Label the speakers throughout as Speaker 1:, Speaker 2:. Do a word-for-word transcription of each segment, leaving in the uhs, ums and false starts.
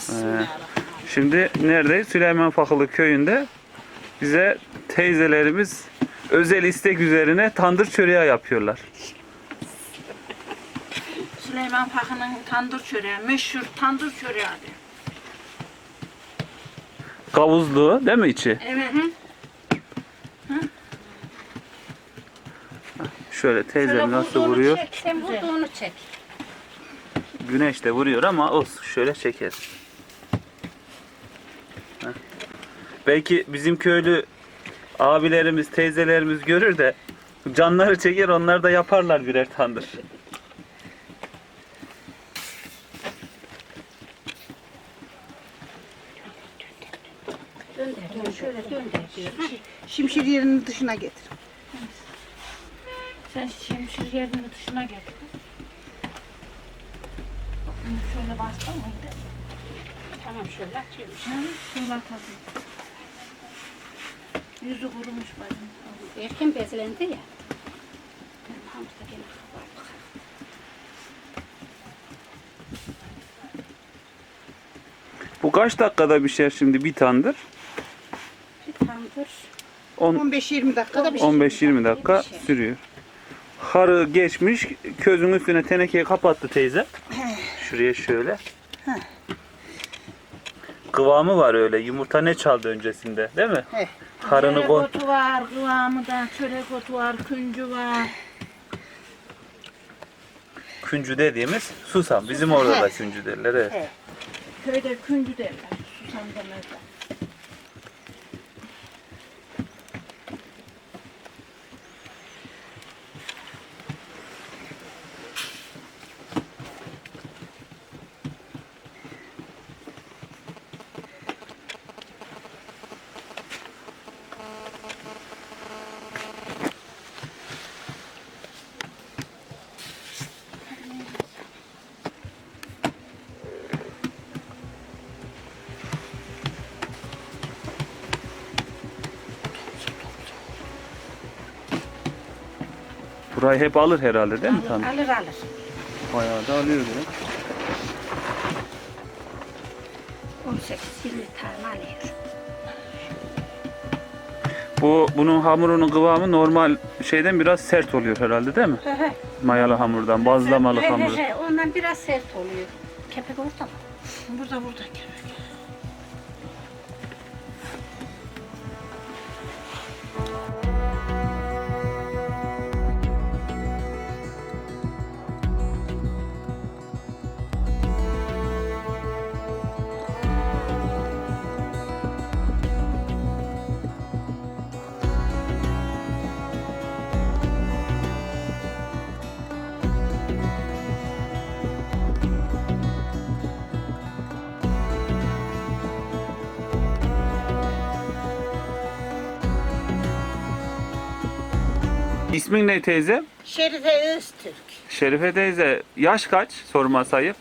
Speaker 1: Şimdi neredeyiz? Süleyman Fakılı köyünde bize teyzelerimiz özel istek üzerine tandır çöreği yapıyorlar.
Speaker 2: Süleyman Fakı'nın tandır çöreği, meşhur tandır çöreği abi.
Speaker 1: Kavuzlu değil mi içi?
Speaker 2: Evet.
Speaker 1: Şöyle teyzem
Speaker 2: Şöyle
Speaker 1: nasıl
Speaker 2: vurduğunu
Speaker 1: vuruyor?
Speaker 2: çek, sen vurduğunu çek.
Speaker 1: Güneş de vuruyor ama olsun şöyle çeker. Heh. Belki bizim köylü abilerimiz, teyzelerimiz görür de canları çeker, onlar da yaparlar birer tandır.
Speaker 2: Dönder, dönder, şöyle dönder diyor.
Speaker 3: Şimşir yerinin dışına getir.
Speaker 2: Sen şimşir yerinin dışına getir. Bunu şöyle bastın mıydı?
Speaker 3: Tamam şöyle açıyorum.
Speaker 2: Ha, şöyle atalım. Yüzü kurumuş bacım.
Speaker 3: Erken bezlendi ya. Hamza gene kabardık.
Speaker 1: Bu kaç dakikada pişer şimdi bir tandır?
Speaker 3: Bir tandır.
Speaker 1: on
Speaker 3: beş yirmi dakikada bir
Speaker 1: on beş yirmi dakika sürüyor. Harı geçmiş, közün üstüne tenekeyi kapattı teyze. Şuraya şöyle. Kıvamı var öyle. Yumurta ne çaldı öncesinde, değil mi?
Speaker 3: He.
Speaker 1: Harını
Speaker 2: Çörek
Speaker 1: kon.
Speaker 2: otu var, kıvamı da, çörek otu var, küncü var.
Speaker 1: Küncü dediğimiz susam. Bizim orada da küncü derler. Evet.
Speaker 3: He.
Speaker 2: Köyde küncü derler, susam demezler.
Speaker 1: Burayı hep alır herhalde değil mi tandır?
Speaker 3: Alır alır.
Speaker 1: Bayağı da alıyor direkt.
Speaker 3: on sekiz yirmi tane alıyor.
Speaker 1: Bu bunun hamurunun kıvamı normal şeyden biraz sert oluyor herhalde değil mi?
Speaker 3: He he.
Speaker 1: Mayalı hamurdan, bazlamalı
Speaker 3: He
Speaker 1: hamur.
Speaker 3: he he. Ondan biraz sert oluyor. Kepek orada mı?
Speaker 2: Burada burada kepek.
Speaker 1: İsmin ne teyze?
Speaker 3: Şerife Öztürk.
Speaker 1: Şerife teyze yaş kaç? Sorması ayıp.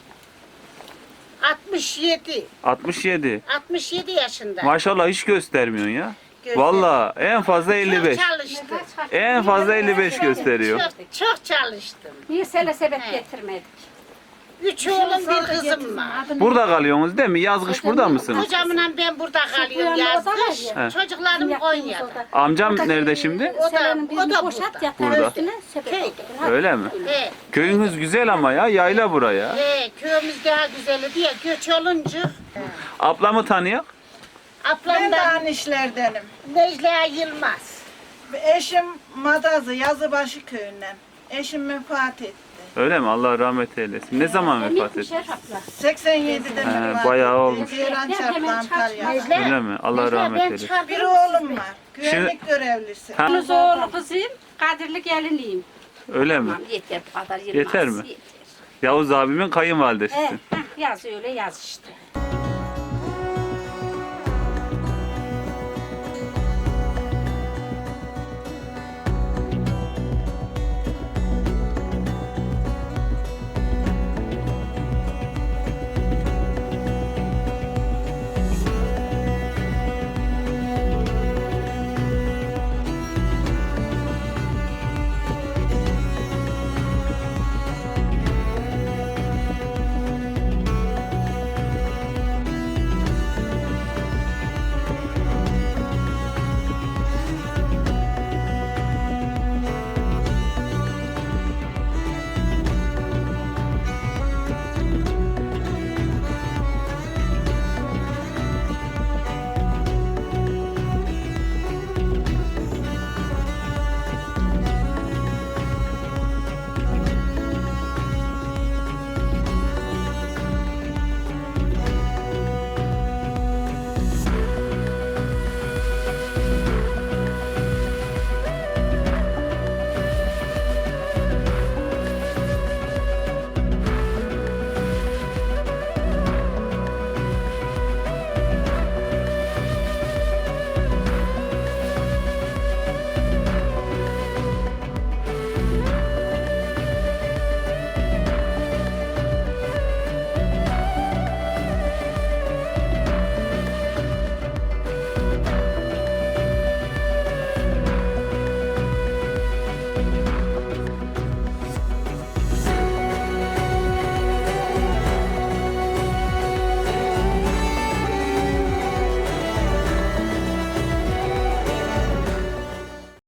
Speaker 3: altmış yedi.
Speaker 1: altmış yedi.
Speaker 3: altmış yedi yaşında.
Speaker 1: Maşallah hiç göstermiyorsun ya.
Speaker 3: Göster-
Speaker 1: Vallahi en fazla elli beş.
Speaker 3: Çok çalıştım.
Speaker 1: En fazla elli beş gösteriyor.
Speaker 3: Çok, çok çalıştım.
Speaker 4: Niye sele sebep
Speaker 3: He.
Speaker 4: getirmedik?
Speaker 3: Üç oğlum bir kızım var.
Speaker 1: Burada kalıyorsunuz değil mi? Yaz kış burada mısınız?
Speaker 3: Kocamla ben burada kalıyorum
Speaker 4: Bu yana
Speaker 3: yaz
Speaker 4: o da var
Speaker 3: kış.
Speaker 1: ya.
Speaker 3: Çocuklarım Konya'da.
Speaker 1: Amcam nerede şimdi?
Speaker 3: O da,
Speaker 4: Selenin
Speaker 3: o
Speaker 4: birini
Speaker 3: da
Speaker 4: boşalt
Speaker 3: burada.
Speaker 4: yatağı
Speaker 1: Burada.
Speaker 4: üstüne sebep
Speaker 3: Köy.
Speaker 4: oldu. Hadi.
Speaker 1: Öyle mi?
Speaker 3: He,
Speaker 1: Köyünüz güzel ama ya. Yayla buraya.
Speaker 3: he, köyümüz daha güzeli diye göç olunca.
Speaker 1: Ablamı tanıyor.
Speaker 5: Ben de
Speaker 3: Ablamdan
Speaker 5: aynı işlerdenim.
Speaker 3: Necla Yılmaz.
Speaker 5: Eşim Madazı, Yazıbaşı köyünden. Eşim vefat etti.
Speaker 1: Öyle mi? Allah rahmet eylesin. Ne zaman vefat etti?
Speaker 4: Şerafla.
Speaker 5: seksen yedide
Speaker 1: He,
Speaker 5: vefat
Speaker 1: bayağı
Speaker 5: etti.
Speaker 1: olmuş.
Speaker 5: Ceylan
Speaker 4: Ya,
Speaker 5: çarptı
Speaker 4: hemen
Speaker 5: Antalya'da.
Speaker 3: Necla.
Speaker 1: Öyle mi? Allah
Speaker 3: Necla,
Speaker 1: rahmet
Speaker 3: ben
Speaker 1: eylesin.
Speaker 3: çıkardım
Speaker 5: Bir
Speaker 3: sizi.
Speaker 5: oğlum var. Güvenlik görevlisi.
Speaker 1: Ha,
Speaker 4: Yunus oğlu kızıyım, Kadirli geliniyim.
Speaker 1: öyle mi?
Speaker 4: Tamam yeter bu kadar Yılmaz.
Speaker 1: Yeter mi? Yavuz abimin
Speaker 4: He,
Speaker 1: kayınvalidesisin.
Speaker 4: heh, yaz öyle yaz işte.